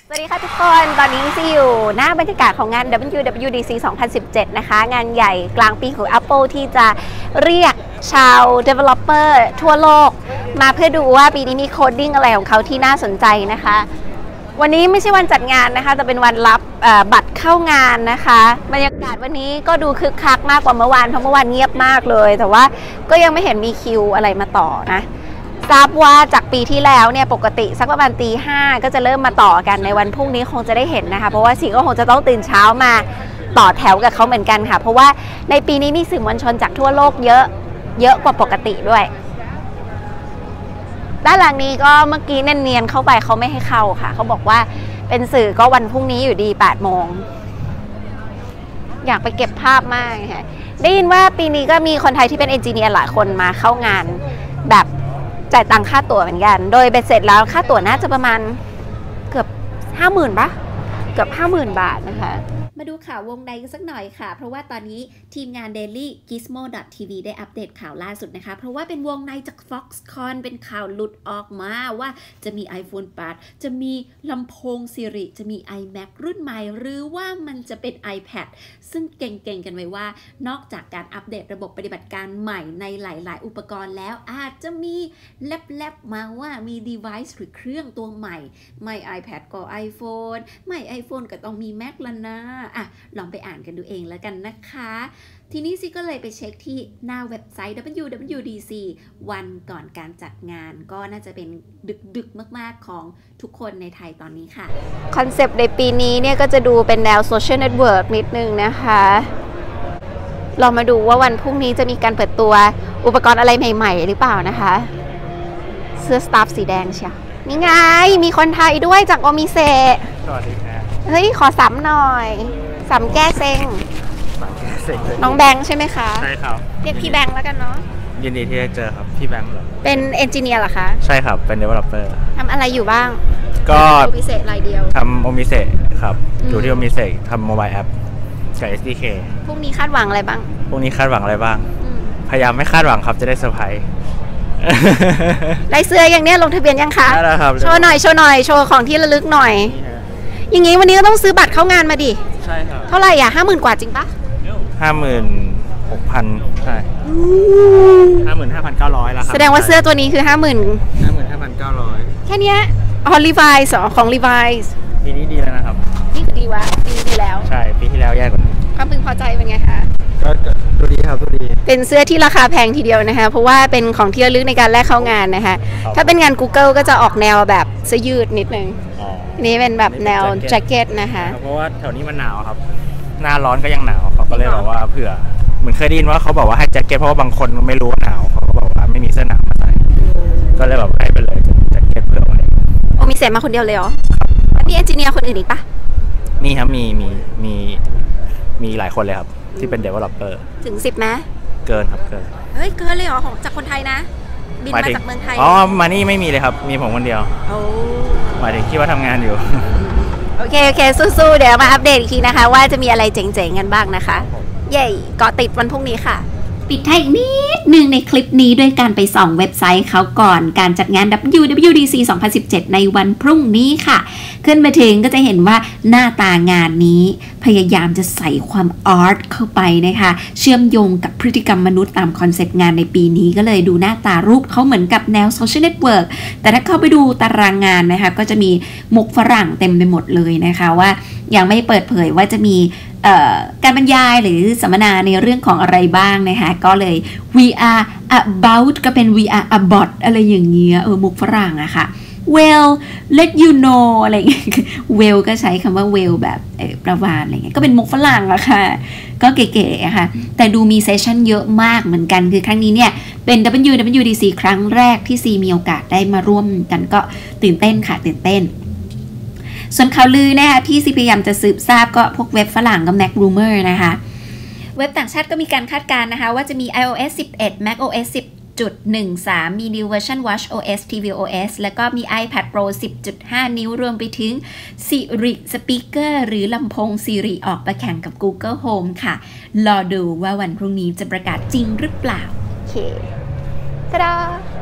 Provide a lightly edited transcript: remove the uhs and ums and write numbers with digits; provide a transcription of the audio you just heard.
สวัสดีค่ะทุกคนตอนนี้ซีอยู่หน้าบรรยากาศของงาน WWDC 2017 นะคะงานใหญ่กลางปีของ Apple ที่จะเรียกชาว Developer ทั่วโลกมาเพื่อดูว่าปีนี้มีโคดดิ้งอะไรของเขาที่น่าสนใจนะคะวันนี้ไม่ใช่วันจัดงานนะคะแต่เป็นวันรับบัตรเข้างานนะคะบรรยากาศวันนี้ก็ดูคึกคักมากกว่าเมื่อวานเพราะเมื่อวานเงียบมากเลยแต่ว่าก็ยังไม่เห็นมีคิวอะไรมาต่อนะทราบว่าจากปีที่แล้วเนี่ยปกติสักประมาณตี 5ก็จะเริ่มมาต่อกันในวันพรุ่งนี้คงจะได้เห็นนะคะเพราะว่าสิก็คงจะต้องตื่นเช้ามาต่อแถวกับเขาเหมือนกันค่ะเพราะว่าในปีนี้มีสื่อมวลชนจากทั่วโลกเยอะกว่าปกติด้วยด้านหลังนี้ก็เมื่อกี้เนียนๆเข้าไปเขาไม่ให้เข้าค่ะเขาบอกว่าเป็นสื่อก็วันพรุ่งนี้อยู่ดี8 โมงอยากไปเก็บภาพมากค่ะได้ยินว่าปีนี้ก็มีคนไทยที่เป็นเอนจิเนียร์หลายคนมาเข้างานแบบจ่ายตังค่าตั๋วเหมือนกันโดยเบ็ดเสร็จแล้วค่าตั๋วน่าจะประมาณเกือบ 50,000 ปะเกือบ 50,000 บาทนะคะมาดูข่าววงในกันสักหน่อยค่ะเพราะว่าตอนนี้ทีมงาน Daily Gizmo.tv ได้อัปเดตข่าวล่าสุดนะคะเพราะว่าเป็นวงในจาก Foxconn เป็นข่าวหลุดออกมาว่าจะมี iPhone 8 จะมีลำโพง Siri จะมี iMac รุ่นใหม่หรือว่ามันจะเป็น iPad ซึ่งเก่งๆกันไว้ว่านอกจากการอัปเดตระบบปฏิบัติการใหม่ในหลายๆอุปกรณ์แล้วอาจจะมีแลบๆมาว่ามี device หรือเครื่องตัวใหม่ไม่ iPad ก็ iPhone ไม่ iPhone ก็ต้องมี Mac ละนะลองไปอ่านกันดูเองแล้วกันนะคะทีนี้ซิก็เลยไปเช็คที่หน้าเว็บไซต์ WWDC วันก่อนการจัดงานก็น่าจะเป็นดึกมากๆของทุกคนในไทยตอนนี้ค่ะคอนเซปต์ในปีนี้เนี่ยก็จะดูเป็นแนวโซเชียลเน็ตเวิร์กนิดนึงนะคะลองมาดูว่าวันพรุ่งนี้จะมีการเปิดตัวอุปกรณ์อะไรใหม่ๆหรือเปล่านะคะเสื้อสตาฟสีแดงเชียวนี่ไงมีคนไทยด้วยจากโอมิเซะสวัสดีครับเฮ้ยขอซ้ำหน่อยซ้ำแก้เซ็งน้องแบงค์ใช่ไหมคะใช่ครับเรียกพี่แบงค์แล้วกันเนาะยินดีที่ได้เจอครับพี่แบงค์เหรอเป็นเอนจิเนียร์เหรอคะใช่ครับเป็น developer ทำอะไรอยู่บ้างก็โอมิเซะรายเดียวทำโอมิเซะครับอยู่ที่โอมิเซะทำโมบายแอปกับ SDK พรุ่งนี้คาดหวังอะไรบ้างพรุ่งนี้คาดหวังอะไรบ้างพยายามไม่คาดหวังครับจะได้เซอร์ไพรส์ได้เสื้ออย่างเนี้ยลงทะเบียนยังคะได้แล้วครับโชว์หน่อยโชว์ของที่ระลึกหน่อยอย่างงี้วันนี้ก็ต้องซื้อบัตรเข้างานมาดิใช่ครับเท่าไหร่อ่ะ50,000 กว่าจริงปะ 56,000ใช่55,900แล้วครับแสดงว่าเสื้อตัวนี้คือ 55,900 แค่นี้อ๋อ Levi's ของ Levi's ปีนี้ดีแล้วนะครับนี่คือดีวะดีแล้วใช่ปีที่แล้วแย่กว่านี้ความพึงพอใจเป็นไงคะก็ดูดีครับดูดีเป็นเสื้อที่ราคาแพงทีเดียวนะคะเพราะว่าเป็นของที่ระลึกในการแลกเข้างานนะคะถ้าเป็นงาน Google ก็จะออกแนวแบบเสื้อยืดนิดนึงนี่เป็นแบบแนวแจ็คเก็ตนะคะเพราะว่าแถวนี้มันหนาวครับหน้าร้อนก็ยังหนาวเขาก็เลยบอกว่าเผื่อเหมือนเคยได้ยินว่าเขาบอกว่าให้แจ็คเก็ตเพราะว่าบางคนไม่รู้ว่าหนาวเขาก็บอกว่าไม่มีเสื้อหนาวมาใส่ก็เลยแบบให้ไปเลยแจ็คเก็ตเผื่อไว้โอ้มีเสร็จมาคนเดียวเลยเหรอมีเอนจิเนียร์คนอื่นอีกปะมีครับมีหลายคนเลยครับที่เป็น developer ถึง10ไหมเกินครับเกินเฮ้ยเกินเลยเหรอของจากคนไทยนะบินมาจากเมืองไทยอ๋อมานี่ไม่มีเลยครับมีผมคนเดียวโอ้หมายถึงคิดว่าทำงานอยู่โอเคสู้ๆเดี๋ยวมาอัปเดตอีกทีนะคะว่าจะมีอะไรเจ๋งๆกันบ้างนะคะเย้เกาะติดวันพรุ่งนี้ค่ะปิดท้ายอีกนิดนึงในคลิปนี้ด้วยการไปส่องเว็บไซต์เขาก่อนการจัดงาน WWDC 2017 ในวันพรุ่งนี้ค่ะขึ้นมาถึงก็จะเห็นว่าหน้าตางานนี้พยายามจะใส่ความอาร์ตเข้าไปนะคะเชื่อมโยงกับพฤติกรรมมนุษย์ตามคอนเซปต์งานในปีนี้ก็เลยดูหน้าตารูปเขาเหมือนกับแนวโซเชียลเน็ตเวิร์กแต่ถ้าเข้าไปดูตารางงานนะคะก็จะมีมุกฝรั่งเต็มไปหมดเลยนะคะว่ายังไม่เปิดเผยว่าจะมีการบรรยายหรือสัมมนาในเรื่องของอะไรบ้างนะคะก็เลย we are about ก็เป็น we are about อะไรอย่างเงี้ยมุกฝรั่งอะค่ะ well let you know อะไรอย่างเงี้ย well ก็ใช้คำว่า well แบบประวานอะไรเงี้ยก็เป็นมุกฝรั่งอะค่ะก็เก๋ๆอะค่ะแต่ดูมีเซสชั่นเยอะมากเหมือนกันคือครั้งนี้เนี่ยเป็น WWDC ครั้งแรกที่ซีมีโอกาสได้มาร่วมกันก็ตื่นเต้นค่ะตื่นเต้นส่วนข่าวลือนะคะที่ซีพยายามจะสืบทราบก็พวกเว็บฝรั่งกับ Mac Rumor นะคะเว็บต่างชาติก็มีการคาดการณ์นะคะว่าจะมี iOS 11 macOS 10.13 มี New Version watchOS tvOS แล้วก็มี iPad Pro 10.5 นิ้วรวมไปถึง Siri Speaker หรือลำโพง Siri ออกมาแข่งกับ Google Home ค่ะรอดูว่าวันพรุ่งนี้จะประกาศจริงหรือเปล่าโอเค ตาดา